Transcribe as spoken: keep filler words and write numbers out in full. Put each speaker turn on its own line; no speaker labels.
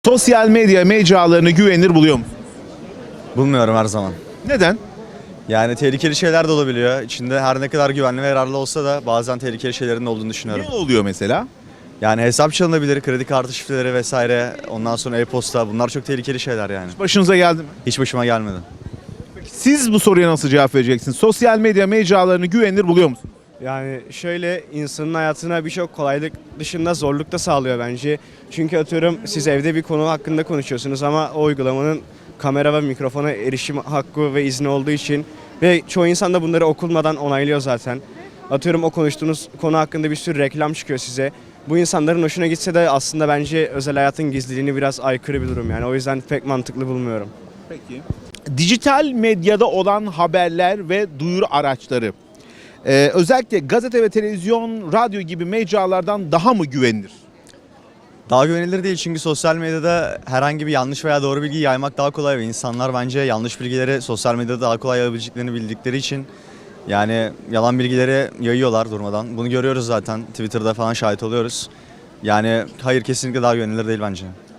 Sosyal medya mecralarını güvenilir buluyor musun?
Bulmuyorum her zaman.
Neden?
Yani tehlikeli şeyler de olabiliyor. İçinde her ne kadar güvenli ve yararlı olsa da bazen tehlikeli şeylerin de olduğunu düşünüyorum.
Ne oluyor mesela?
Yani hesap çalınabilir, kredi kartı şifreleri vesaire, ondan sonra e-posta, bunlar çok tehlikeli şeyler yani.
Başınıza geldi mi?
Hiç başıma gelmedi.
Siz bu soruya nasıl cevap vereceksiniz? Sosyal medya mecralarını güvenilir buluyor musunuz?
Yani şöyle insanın hayatına birçok kolaylık dışında zorluk da sağlıyor bence. Çünkü atıyorum siz evde bir konu hakkında konuşuyorsunuz ama o uygulamanın kamera ve mikrofona erişim hakkı ve izni olduğu için ve çoğu insan da bunları okunmadan onaylıyor zaten. Atıyorum o konuştuğunuz konu hakkında bir sürü reklam çıkıyor size. Bu insanların hoşuna gitse de aslında bence özel hayatın gizliliğini biraz aykırı bir durum yani. O yüzden pek mantıklı bulmuyorum.
Peki. Dijital medyada olan haberler ve duyuru araçları Ee, özellikle gazete ve televizyon, radyo gibi mecralardan daha mı güvenilir?
Daha güvenilir değil çünkü sosyal medyada herhangi bir yanlış veya doğru bilgi yaymak daha kolay ve insanlar bence yanlış bilgileri sosyal medyada daha kolay yayabileceklerini bildikleri için yani yalan bilgileri yayıyorlar durmadan. Bunu görüyoruz zaten, Twitter'da falan şahit oluyoruz. Yani hayır, kesinlikle daha güvenilir değil bence.